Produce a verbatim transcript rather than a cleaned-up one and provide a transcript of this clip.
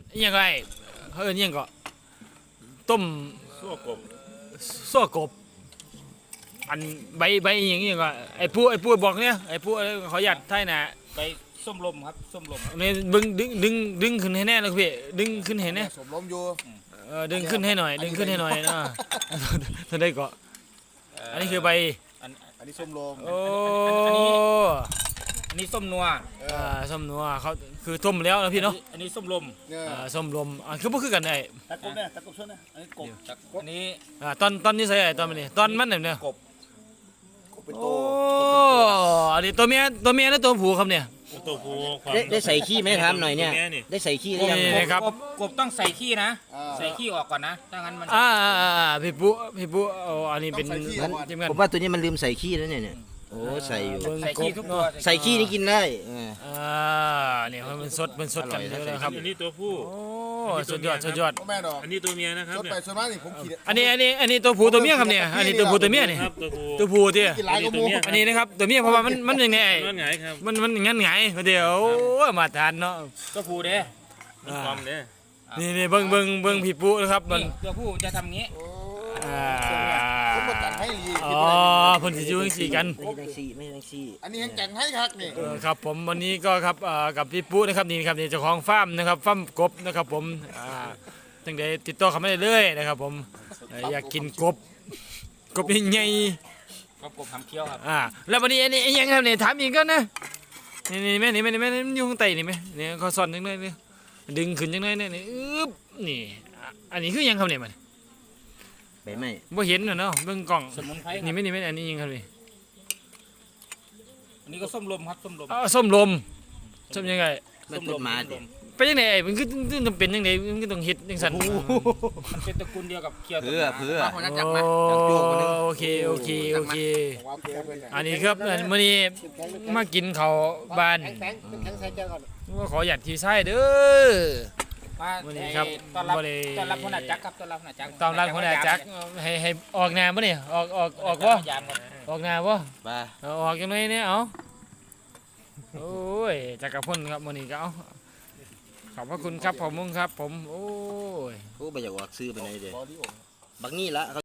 ยังไงเขาเอิ้นยังก็ต้มซั่วกบซั่วกบอันใบใบอหย่างนี้ก็ไอ้ผู้ไอ้ผู้บอกเนี่ยไอ้ผู้ขอหยัดไทยนะไปส้มลมครับส้มลมนี่ดึงดึงดึงดึงขึ้นให้แน่เลยพี่ดึงขึ้นให้แน่สมล้มอยู่เออดึงขึ้นให้หน่อยดึงขึ้นให้หน่อยนะท่านได้ก็อันนี้คือใบอันอันนี้ส้มลมโอ้อันนี้ส้มนัวอ่าส้มนัวเขาคือต้มแล้วนะพี่เนาะอันนี้ส้มลมเนี่ยอ่าส้มลมอ่าคือบ่คือกันไอ้ตะกบเนี่ยตะกบช่วยนะอันนี้กบอันนี้อ่าตอนตอนนี้ใส่ไอ้ตอนมันนี่ตอนมันเนี่ยกบกบเป็นโตโอ้อันนี้ตัวเมียตัวเมียและตัวผู้ครับเนี่ยตัวผู้ความได้ได้ใส่ขี้ไหมถามหน่อยเนี่ยแม่นี่ได้ใส่ขี้หรือยังนี่นะครับกบกบต้องใส่ขี้นะ ใส่ขี้ออกก่อนนะถ้างั้นมันอ่าอ่าอ่าพี่ปุ๊พี่ปุ๊เอาอันนี้เป็นต้องใส่ขี้มันก่อนทีมงานผมว่าตัวนี้มันลืมใส่ขี้แล้วเนี่ยเนี่ยโอ้ใส่อยู่เบิ่งใส่ขี้ทุกตัวใส่ขี้นี่กินได้เอออ่าเนี่ยมันสดมันสดกันอร่อยเยนะอะเลยครับอันนี้ตัวผู้โอ้สุดยอดสุดยอดพ่อแม่ดอกอันนี้ตัวเมียนะครับชดเนี่ยไปชดมานี่ผมขี่อันนี้อันนี้อันนี้ตัวผู้ตัวเมียครับเนี่ยอันนี้ตัวผู้ตัวเมียนี่ครับตัวผู้ตัวผู้ที่กินหลายก็มูอันนี้นะครับตัวเมียเพราะว่ามันมันยังไงนอนหงายครับมันมันงั้นไงเดี๋ยวโอ้ยมาทานเนาะตัวผู้เด้มันความเนี่ยนี่นี่เบิ่งเบิ่งเบิ่งพี่ปุ๊นะครับมันนี่ตัวผู้จะทำงี้อ่าผมมาจัดให้ลีอ๋อเพิ่นสิอยู่จังซี่กันไม่ได้ขี้ไม่ได้ขี้อันนี้ยังจัดให้ครับนี่เออครับผมวันนี้ก็ครับเอ่อกับพี่ปุ๊นะครับนี่ครับนี่เจ้าของฟาร์มนะครับฟาร์มกบนะครับผมอ่าตั้งแต่ติดต่อเข้ามาได้เลยนะครับผมเอ่ออยากกินกบกบใหญ่ก็กบทำเคี้ยวครับๆอ่าแล้ววันนี้อันนี้อันยังครับเนี่ยถามอีกก็นะนี่นี่แม่นี่แม่นี่แม่นี่มันอยู่ข้างใต้นี่ไหมเนี่ยเขาซ่อนจังเลยนี่ดึงขึ้นจังเลยเนี่ยนี่อึ๊บนี่อ่ะอันนี้คือหยังครับเนี่ยมันใบไม้บ่เห็นน่ะเนาะเบิ่งกล้องสมุนไพรนี่ไม่นี่ไม่อันนี้ยังครับนี่อันนี้ก็ส้มลมครับส้มลมอ้าวส้มลมส้มยังไงไม่ต้นมาดิไปยังไงไอ้มันคือคือต้องเป็นยังไงมันคือต้องเฮ็ดจังซั่นมันเป็นตระกูลเดียวกับเคี้ยวเพื่อเพื่อมาคนนั้นจับมาโอเคโอเคโอเคความเพียรเป็นอันนี้ครับอันมื้อนี้มากินข้าวบ้านแข็งแข็งใส่เจ้าก่อนว่าขอหยัดที่ไส้เด้อมาวันนี้ครับต้อนรับบ่ได้ต้อนรับคนอาจักรครับต้อนรับคนอาจักรตามร้านคนอาจักให้ให้ออกแนวบ่นี่ออกออกออกบ่ยามครับออกแนวบ่ปลาเอาออกจังไดเนี่ยเอาโอ้ยจักรพลครับมื้อนี้ก็เอาขอบพระคุณครับผมมุงครับผมโอ้ยโอ้ไปอยากออกซื้อไปไหนเด้บอดี้โอบักนี่ละ